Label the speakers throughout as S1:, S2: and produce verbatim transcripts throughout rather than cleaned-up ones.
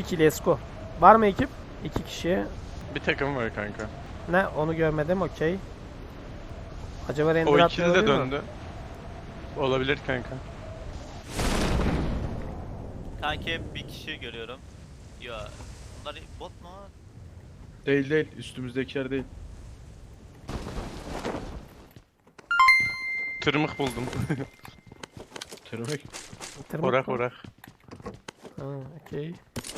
S1: iki let's go. Var mı ekip? İki kişi.
S2: Bir takım var kanka.
S1: Ne? Onu görmedim. Okey. Acaba render
S2: O
S1: atmıyor
S2: ikili de
S1: olabilir mi?
S2: döndü. Olabilir kanka.
S3: Kanki bir kişi görüyorum. Ya bunlar bot mu?
S4: Değil değil. Üstümüzdekiler değil.
S2: Tırmık buldum.
S4: Tırnak.
S1: Tırmık
S2: orak
S1: mı?
S2: orak.
S1: Ha, okey.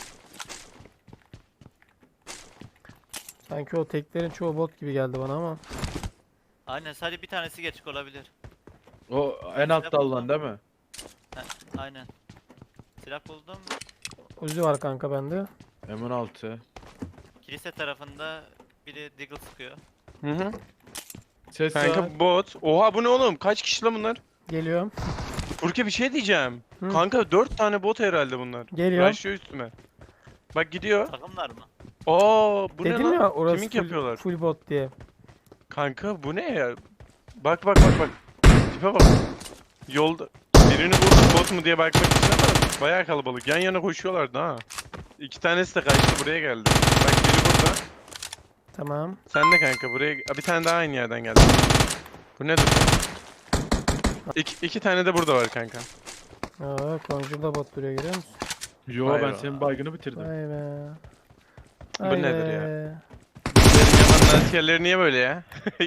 S1: Sanki o teklerin çoğu bot gibi geldi bana ama.
S3: Aynen, sadece bir tanesi geçik olabilir.
S4: O en altta alınan değil mi?
S3: Heh, aynen. Silah buldum.
S1: Uzi var kanka bende.
S4: M on altı.
S3: Kilise tarafında biri Deagle sıkıyor.
S2: Hı hı.
S4: Ses var.
S2: Kanka bot. Oha bu ne oğlum? Kaç kişi lan bunlar?
S1: Geliyorum.
S2: Burke bir şey diyeceğim.
S1: Hı.
S2: Kanka dört tane bot herhalde bunlar.
S1: Geliyorum.
S2: Başlıyor üstüme. Bak gidiyor.
S3: Takımlar mı?
S2: Aa bu ne
S1: Dedim
S2: lan?
S1: ya orası
S2: Kimik
S1: full,
S2: yapıyorlar?
S1: full bot diye.
S2: Kanka bu ne ya? Bak bak bak bak. Tipe bak. Yolda birini vurdum bot mu diye bakmak için ama bayağı kalabalık. Yan yana koşuyorlardı ha. İki tanesi de kaçtı buraya geldi. Bak biri burada.
S1: Tamam.
S2: Sen de kanka buraya... Aa, bir tane daha aynı yerden geldi. Bu nedir? İki, iki tane de burada var kanka.
S1: Aa, Conjure'da bot duruyor, görüyor musun?
S4: Yo
S2: Vay
S4: ben
S2: be.
S4: senin baygını bitirdim.
S1: Vay be.
S2: Bu
S1: Vay
S2: nedir
S1: be.
S2: ya? Benim yamanın askerleri niye böyle ya?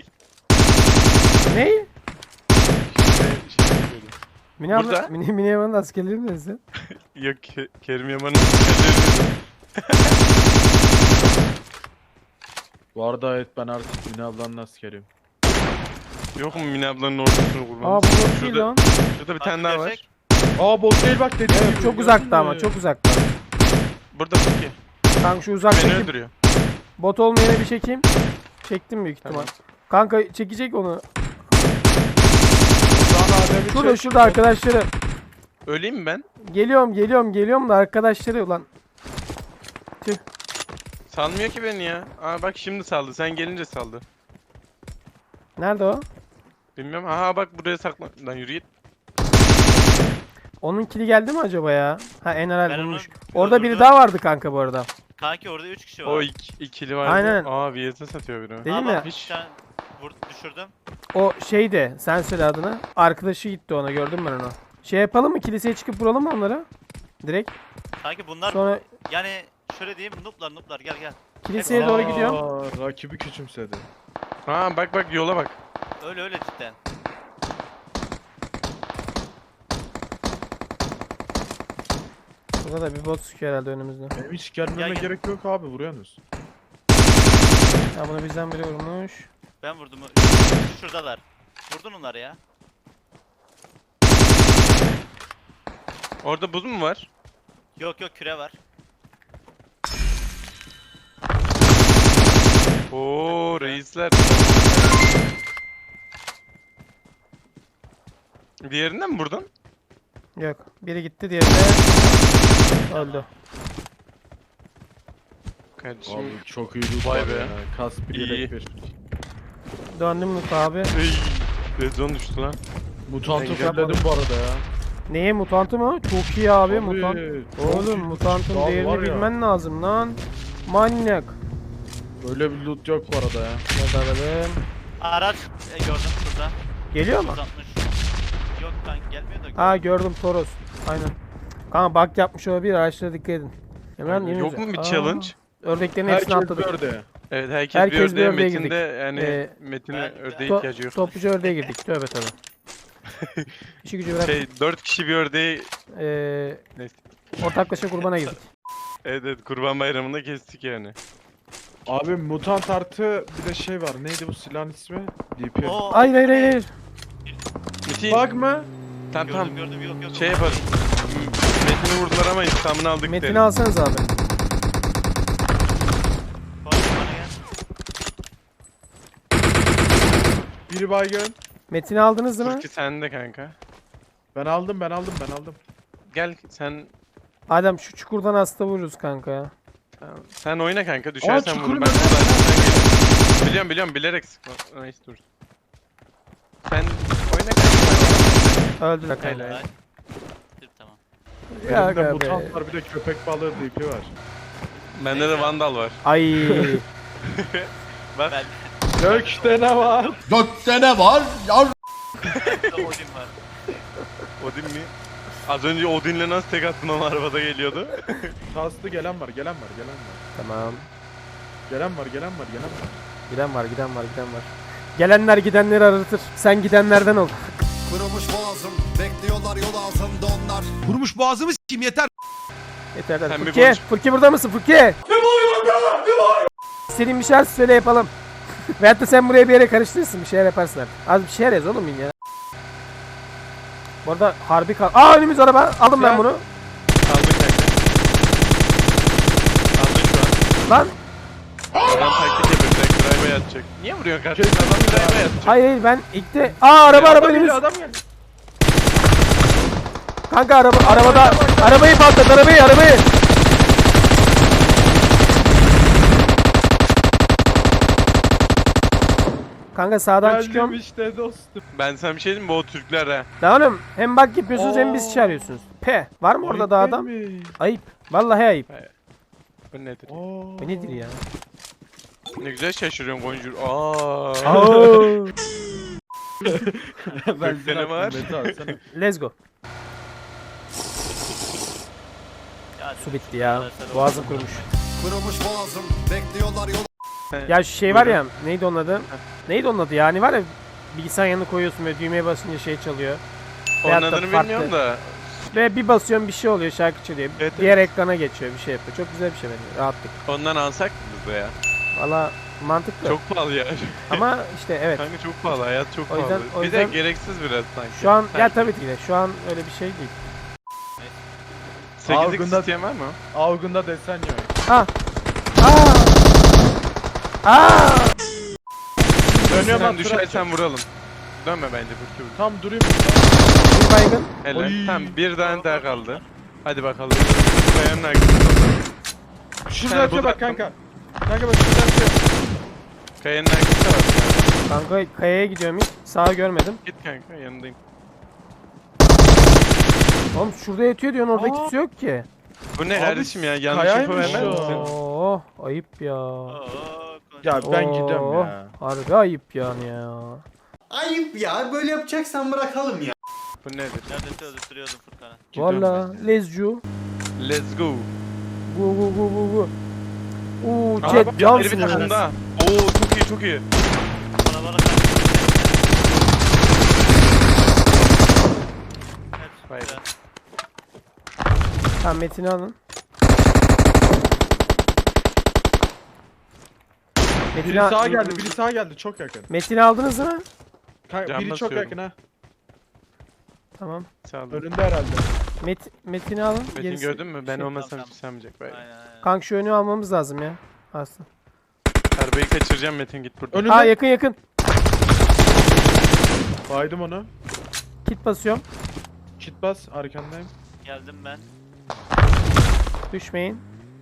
S1: Ne?
S2: Şey- şey böyle.
S1: Mini abla,
S2: Burada.
S1: Mini, Mini Yaman'ın askerleri mi dedin?
S2: Yok Ke- Kerim Yaman'ın askerleri.
S4: Bu arada evet ben artık Mine ablanın askeriyim.
S2: Yok mu Mine ablanın ordusunu kurmamız?
S1: Aa bu bot değil
S2: Şurada,
S1: lan.
S2: şurada bir
S3: Bak,
S2: tane daha var.
S3: gerçek.
S4: Aa bot değil bak dediğim
S1: Evet,
S4: gibi.
S1: çok
S4: gördün
S1: uzakta ama
S4: mü?
S1: çok uzakta.
S2: Burada Burki.
S1: Kanka şu
S2: Beni
S1: uzaktaki
S2: öldürüyor.
S1: bot olmayana bir çekeyim. Çektim büyük ihtimal.
S2: Tamam.
S1: Kanka çekecek onu.
S4: Ulan Adem'i
S1: Şurada
S4: çek.
S1: şurada arkadaşları.
S2: Öleyim mi ben?
S1: Geliyorum geliyorum geliyorum da arkadaşları ulan.
S2: Salmıyor ki beni ya. Aa bak şimdi saldı. Sen gelince saldı.
S1: Nerede o?
S2: Bilmiyorum. Aha bak buraya saklan. Lan yürü git.
S1: Onun kili geldi mi acaba ya? Ha Eneral
S3: Ben onu
S1: bulmuş. Orada biri
S3: öldürdüm.
S1: daha vardı kanka bu arada.
S3: Kanki orada üç kişi var.
S2: O iki, ikili vardı.
S1: Aynen.
S2: Aa V S satıyor biri.
S1: Değil
S3: Aa,
S1: mi?
S3: bak,
S2: Hiç-
S3: bir tane vur, düşürdüm.
S1: O şeydi. Sen söyle adını. Arkadaşı gitti ona, gördüm ben onu. Şey yapalım mı? Kiliseye çıkıp vuralım mı onları? Direkt.
S3: Kanki bunlar
S1: Sonra
S3: yani şöyle diyeyim, nooblar nooblar, gel gel.
S1: kiliseye
S3: Aa.
S1: doğru gidiyorum.
S4: Aa, rakibi küçümsedi.
S2: Aa bak bak yola bak.
S3: Öyle öyle cidden.
S1: Burada da bir bot sıkıyor herhalde önümüzde.
S4: Benim hiç gelmeme
S3: Gel, gel.
S4: gerek yok abi vuruyorsunuz.
S1: Ya bunu bizden biri vurmuş.
S3: Ben vurdum. Şuradalar. Vurdun onları ya.
S2: Orada buz mu var?
S3: Yok yok, küre var.
S2: Oo reisler. Diğerinden mi vurdun?
S1: Yok. Biri gitti, diğeri de öldü.
S2: Kardeşim.
S4: Abi çok iyi loot
S2: Vay
S4: var
S2: be.
S4: ya. Kas bir
S2: İyi.
S4: yelek bir.
S1: Döndüm Mut abi.
S2: Ey, Red zone düştü lan.
S4: Mutantı
S2: Ben
S4: fulledim bu arada ya.
S1: Neye, mutantı mı? Çok iyi abi
S4: Tabii,
S1: mutant.
S4: çok
S1: Oğlum
S4: iyi.
S1: mutantın
S4: Daha
S1: değerini
S4: var ya.
S1: bilmen lazım lan. Manyak.
S4: Böyle bir loot yok bu arada ya.
S1: Bakalım.
S3: Araç e, gördüm şurada.
S1: Geliyor mu?
S3: yüz altmış. Yok kanki gelmiyor da.
S1: Ha gördüm, Toros. Aynen. Kanka bug yapmış olabilir, araçlara dikkat edin. Hemen
S2: Aynen.
S1: yeni
S2: Yok
S1: güzel.
S2: mu bir
S1: Aa,
S2: challenge?
S1: Ördeklerin hepsini
S4: Herkes
S1: atladık.
S4: gördü.
S2: Evet herkes,
S1: Herkes
S2: bir
S1: bir
S2: ördeğe,
S1: ördeğe
S2: Metin'de yani
S1: Ee,
S2: Metin'e
S3: ben-
S2: ördeğe
S1: To-
S2: ihtiyacı yok.
S1: topluca ördeğe girdik. Tövbe tövbe. İşi gücü bırak.
S2: Şey dört kişi bir ördeği
S1: Ee,
S2: Neyse.
S1: ortaklaşa kurbana girdik.
S2: evet, evet kurban bayramında kestik yani.
S4: Abi mutant artı bir de şey var. Neydi bu silahın ismi? D P.
S3: Oo,
S1: Hayır hayır hayır. hayır.
S2: Metin
S4: Bug mı?
S2: tamam
S3: Gördüm
S2: tamam
S3: gördüm, yok yok.
S2: şey yaparım. Metin'i vurdular ama intikamını aldık
S1: Metin'i
S2: derim.
S1: alsanız abi.
S3: Bak, bana gel.
S4: Biri baygın.
S1: Metin'i aldınız değil mi?
S2: Furki sende kanka.
S4: Ben aldım ben aldım ben aldım.
S2: Gel sen
S1: Adem şu çukurdan hasta vururuz kanka ya.
S2: tamam. Sen oyna kanka düşersen
S4: çukurun
S2: vur. Ben
S4: önünde.
S2: buradan gelirim. Biliyorum biliyorum bilerek sıkma. Nice dur. Sen oyna kanka.
S1: Öldüler kanka.
S2: Helal.
S3: Ay. Dur, tamam.
S1: Ya
S4: Elimde
S1: aga be.
S4: mutant var bir de köpek balığı D P var.
S2: Bende de Vandal var.
S1: Ay.
S2: Bak.
S3: Ben
S4: Gökte ne var?
S5: Gökte ne var? Yar
S3: de Odin var.
S2: Odin mi? Az önce Odin'le nasıl tek attın onu arabada geliyordu.
S4: Kaslı gelen var, gelen var, gelen var.
S1: Tamam.
S4: Gelen var, gelen var, gelen var.
S1: Giden var, giden var, giden var. Gelenler gidenleri aratır. Sen gidenlerden ol.
S5: kurumuş boğazım. Bekliyorlar yol ağzında onlar.
S6: Kurumuş boğazımı s**eyim yeter.
S1: Yeter yeter.
S2: Sen bir
S1: Furki,
S2: konuş.
S1: Furki burada mısın Furki? Ne bağırıyorsun be? Ne bağırıyorsun? İstediğin bir şeyler söyle yapalım. Veyahut da sen buraya bir yere karıştırırsın, bir şeyler yaparsın artık. Az bir şeyler yaz oğlum ya. Bu arada harbi kal... Aa önümüz araba. Aldım ben
S4: Gel.
S1: bunu.
S2: Aldın kanka. Aldın şu an.
S1: Lan.
S2: Adam taktik yapıyor. Direkt drive'a yatacak. Niye vuruyorsun kardeşim? Adam drive'a yatacak.
S1: Hayır hayır ben ilk de... Aa araba araba
S4: Adam
S1: önümüz.
S4: geliyor, adam geliyor.
S1: Kanka araba arabada. Arabayı patlat arabayı arabayı. Kanka sağdan
S4: Geldim
S1: çıkıyorum.
S4: işte dostum.
S2: Ben sana bir şey diyeyim mi? Bu o Türkler ha.
S1: Lan oğlum hem bak yapıyorsunuz hem bizi
S4: Oo.
S1: çağırıyorsunuz. P. Var mı orada da
S4: Ayıp
S1: adam?
S4: değil mi?
S1: Ayıp. Vallahi ayıp.
S2: Bu nedir?
S4: Oo.
S1: Bu nedir ya?
S2: Ne güzel şaşırıyorsun Gonjur. Aaa.
S1: Oo.
S4: Ben
S2: Gökte ne var?
S4: Mete alsana.
S1: Let's go.
S3: Ya,
S1: Su bitti ya.
S3: arkadaşlar,
S1: Boğazım
S3: Odin
S1: kurumuş.
S3: var.
S5: Kurumuş boğazım. Bekliyorlar yol
S1: Ya şu şey var
S2: Buyurun.
S1: ya. Neydi onun adı? Neydi onun adı ya? Hani var ya bilgisayar yanına koyuyorsun ve düğmeye basınca şey çalıyor.
S2: Onun
S1: Veyahut da
S2: adını
S1: farklı.
S2: bilmiyorum da.
S1: Ve bir basıyorsun bir şey oluyor şarkı çalıyor.
S2: Evet,
S1: Diğer ekrana geçiyor bir şey yapıyor. Çok güzel bir şey bence. Rahatlık.
S2: Ondan alsak mı biz de ya?
S1: Valla mantıklı.
S2: Çok pahalı ya.
S1: Ama işte evet.
S2: Kanka çok pahalı. Hayat çok
S1: O yüzden-
S2: pahalı.
S1: o
S2: Bir de
S1: yüzden-
S2: gereksiz biraz sanki.
S1: Şu an ya
S2: Sanki.
S1: tabii ki de şu an öyle bir şey değil.
S2: sekizlik
S4: Algında-
S2: isteyen var mı?
S4: Avgunda desen yok.
S1: Ha. Aa. Aa.
S4: Dönüyorum
S2: Sen
S4: at
S2: düşersen vuralım. Dönme bence Burki vur.
S4: Tam durayım.
S1: Bir baygın.
S2: Helal.
S4: Oy.
S2: Tamam bir tane daha kaldı. Hadi bakalım. Kayanın arkasında.
S4: Şurada
S2: Yani
S4: atıyor
S2: bu
S4: bak
S2: da-
S4: kanka. Kanka bak şurada atıyor.
S2: Kayanın arkasında var.
S1: Kanka kayaya gidiyorum hiç. Sağı görmedim.
S2: Git kanka yanındayım.
S1: Oğlum şurada yatıyor diyorsun orada
S4: Aa.
S1: kimse yok ki.
S2: Bu ne
S4: Abi,
S2: kardeşim ya? Yanlış info
S4: kayaymış
S2: vermez
S4: o.
S2: misin?
S1: Oo, ayıp ya.
S3: Oo,
S4: Ya ben
S1: Oo,
S4: gidiyorum ya.
S1: Harbi ayıp yani ya.
S7: Ayıp ya. Böyle yapacaksan bırakalım ya.
S2: Bu nedir?
S3: Neredeyse öldürtüyordum Furkan'ı.
S4: Gidiyorum
S1: Valla
S4: ben de.
S1: lezcu.
S2: Let's go.
S1: Gu gu gu gu gu. Uuu
S2: Aa,
S1: Jet
S2: bak, biri
S1: cansın
S2: bir
S1: ya.
S2: takımda. Oo çok iyi çok iyi.
S3: Bana bana kaç.
S2: Hayır.
S1: Tamam Metin'i alın. Metin'i,
S4: Biri
S1: al-
S4: sağa geldi, biri sağa geldi. Çok yakın.
S1: Metin'i aldınız mı?
S4: Kanka,
S2: Can
S4: biri çok
S2: basıyorum.
S4: yakın ha.
S1: Tamam.
S2: Sağ ol.
S4: Önünde herhalde.
S1: Met, Metin'i alın.
S2: Metin
S1: Gerisi-
S2: gördün mü? Ben
S1: şey-
S2: olmasam
S3: Tamam,
S2: kimse almayacak. Bay.
S3: Aynen aynen.
S1: Kanka şu önü almamız lazım ya. Aslında.
S2: Arabayı kaçıracağım Metin git buradan.
S4: Önünde.
S1: Aa yakın yakın.
S4: Baydım onu.
S1: Kit basıyorum.
S4: Kit bas, arkandayım.
S3: Geldim ben.
S1: Düşmeyin.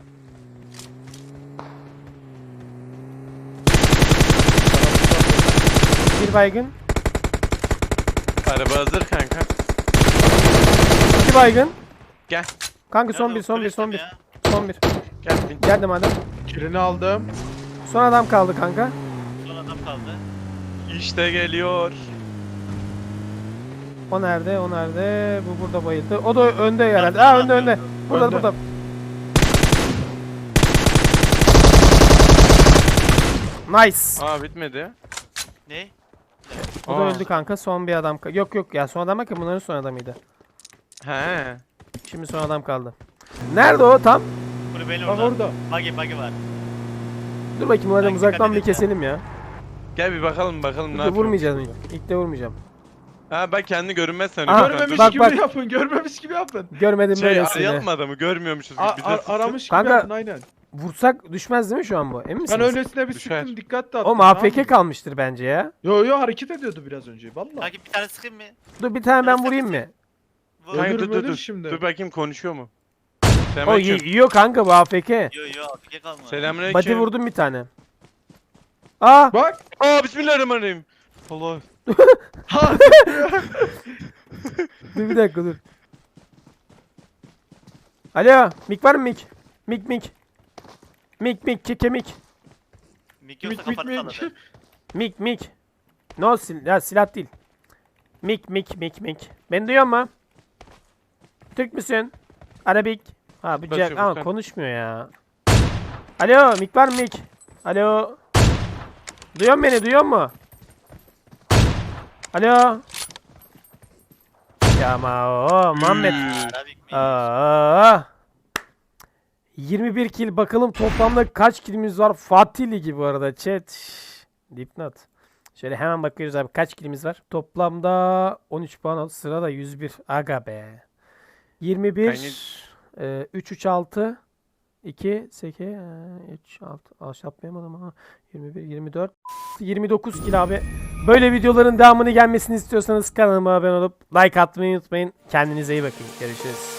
S1: Bir baygın.
S2: Araba hazır kanka.
S1: İki baygın.
S2: Gel.
S1: Kanka son
S3: Nerede
S1: bir son bir son bir.
S3: turistim
S1: Son bir.
S2: Gel bin.
S1: Geldim adam.
S4: Kilini aldım.
S1: Son adam kaldı kanka.
S3: ya? Son adam kaldı.
S2: İşte geliyor.
S1: O nerede? O nerede? Bu burada bayıldı. O da önde herhalde. Aa önde önde. Burada
S4: Önde.
S1: burada. Nice.
S2: Aa bitmedi.
S3: Ne?
S1: O da
S2: Aa.
S1: öldü kanka. Son bir adam. ka- Yok yok ya son adam bakın bunların son adamıydı.
S2: He.
S1: Şimdi son adam kaldı. Nerede o tam?
S3: Kulübenin
S4: Bak
S3: orada.
S4: orada.
S3: Buggy buggy var.
S1: Dur bakayım madem
S3: Ben
S1: uzaktan bir
S3: dikkat edin
S1: keselim ya.
S2: Gel bir bakalım bakalım ne
S1: İlk de
S2: yapıyor.
S1: vurmayacağım ilk. İlk de vurmayacağım.
S2: Ha bak kendi görünmez sen.
S1: Aha,
S4: Görmemiş
S1: bak,
S4: gibi
S1: bak.
S4: yapın, görmemiş gibi yapın.
S1: Görmedim
S2: Şey
S1: böylesini.
S2: arayalım adamı görmüyormuşuz.
S4: A-
S2: Bir
S4: ar-
S2: de sıksın.
S4: aramış gibi
S1: Kanka,
S4: yapın aynen.
S1: Vursak düşmez değil mi şu an bu? Emin misiniz?
S4: Ben öylesine bir
S2: Düşer.
S4: sıktım, dikkat de attım.
S1: O A F K kalmıştır bence ya.
S4: Yo yo hareket ediyordu biraz önce valla.
S3: Kanki bir tane sıkayım mı?
S1: Dur bir tane ben
S3: Neyse,
S1: vurayım
S3: bizi-
S1: mı?
S3: Vur.
S2: Kanka
S4: Ölür
S2: dur dur
S4: ölür
S2: dur.
S4: şimdi.
S2: Dur bakayım konuşuyor mu?
S1: O
S2: Selamünaleyküm.
S1: yiyor kanka bu A F K.
S3: Yo yo afk kalma.
S2: Selamünaleyküm.
S1: Body vurdum bir tane. Aa!
S4: Bak.
S2: Aa bismillahirrahmanirrahim. Allah.
S4: Ha.
S1: Dur bir dakika dur. Alo, mik var mı mik? Mik mik. Mik mik keke mik.
S3: Mik yoksa
S4: Mik, mik,
S3: kafanı
S4: mik.
S3: salladı.
S1: Mik mik. No sil ya silah değil. Mik mik mik mik. Beni duyuyor mu? Türk müsün? Arabik. Ha bu
S2: Basıyor
S1: Jack ama
S2: Furkan.
S1: konuşmuyor ya. Alo mik var mı mik? Alo. Duyuyor musun beni duyuyor mu? Alo. Ya ama o Muhammed.
S3: Arabik mi?
S1: Aa. yirmi bir kill bakalım toplamda kaç killimiz var? Fatih Ligi bu arada chat. Dipnot. Şöyle hemen bakıyoruz abi kaç killimiz var? Toplamda on üç puan oldu. Sırada yüz bir. Aga be. yirmi bir e, üç üç altı iki sekiz üç altı aşağılayamadım ama yirmi bir yirmi dört yirmi dokuz kill abi. Böyle videoların devamını gelmesini istiyorsanız kanalıma abone olup like atmayı unutmayın. Kendinize iyi bakın. Görüşürüz.